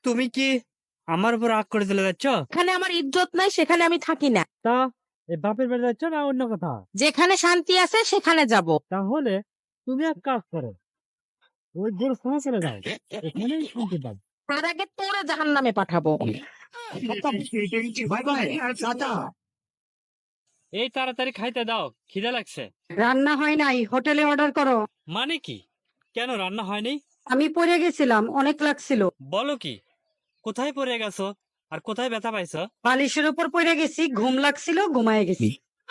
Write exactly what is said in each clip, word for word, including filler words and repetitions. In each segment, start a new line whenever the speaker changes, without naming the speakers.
তুমি কি আমার উপর রাগ করে চলে যাচ্ছ?
এখানে আমার ইজ্জত নাই, সেখানে আমি থাকি না।
তা এই বাপের বাড়ি যাচ্ছ না অন্য কোথাও?
যেখানে শান্তি আছে সেখানে যাব।
তাহলে তুমি এক কাজ করো, ওই গোরস্থানে চলে যাও, এখানেই শান্তি পাবে।
তার আগে তোরে জাহান্নামে পাঠাবো।
এই তাড়াতাড়ি খাইতে দাও, খিদে লাগছে।
রান্না হয় নাই, হোটেলে অর্ডার করো।
মানে কি? কেন রান্না হয়নি?
আমি পড়ে গেছিলাম, অনেক লাগছিল।
বলো কি? কোথায় পড়ে গেছো আর কোথায় ব্যথা পাইছো?
বালিশের উপর পড়ে গেছি, ঘুম লাগছিল, ঘুমায় গেছি।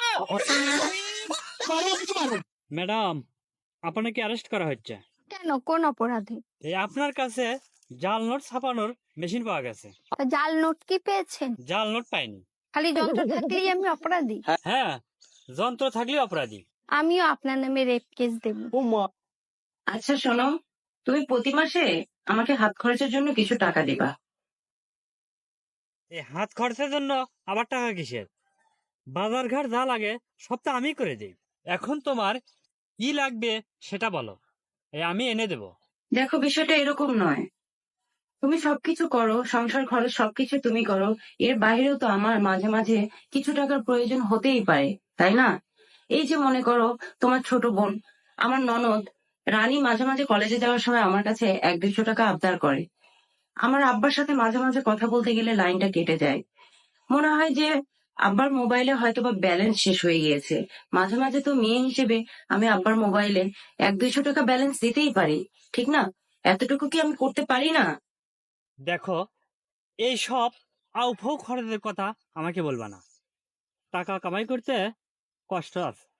ম্যাডাম, আপনাকে অ্যারেস্ট করা হচ্ছে।
কেন, কোন অপরাধে?
এই আপনার কাছে জাল নোট ছাপানোর মেশিন পাওয়া গেছে।
তা জাল নোট কি পেয়েছেন?
জাল নোট পাইনি।
খালি যন্ত্র থাকলেই আমি অপরাধী?
হ্যাঁ, যন্ত্র থাকলে অপরাধী।
আমিও আপনার নামে রেপ কেস দেব।
আচ্ছা শোনো, তুমি প্রতি মাসে আমাকে হাত খরচের জন্য কিছু টাকা দিবা।
এই হাত খরচের জন্য আবার টাকা কিসের? বাজার ঘাট যা লাগে সব তো আমি করে দিই। এখন তোমার কি লাগবে সেটা বলো, এই আমি এনে দেব।
দেখো, বিষয়টা এরকম নয়। তুমি সবকিছু করো, সংসার খরচ সবকিছু তুমি করো, এর বাইরেও তো আমার মাঝে মাঝে কিছু টাকার প্রয়োজন হতেই পারে, তাই না? এই যে মনে করো, তোমার ছোট বোন, আমার ননদ রানী মাঝে মাঝে কলেজে যাওয়ার সময় আমার কাছে এক দেড়শো টাকা আবদার করে। আমার আব্বার সাথে মাঝে মাঝে কথা বলতে গেলে লাইনটা কেটে যায়। মনে হয় যে আব্বার মোবাইলে হয়তো বা ব্যালেন্স শেষ হয়ে গিয়েছে। মাঝে মাঝে তো মেয়ে হিসেবে আমি আব্বার মোবাইলে এক দুইশো টাকা ব্যালেন্স দিতেই পারি, ঠিক না? এতটুকু কি আমি করতে পারি না?
দেখো, এই সব আউফাউ খরচের কথা আমাকে বলবা না। টাকা কামাই করতে কষ্ট আছে।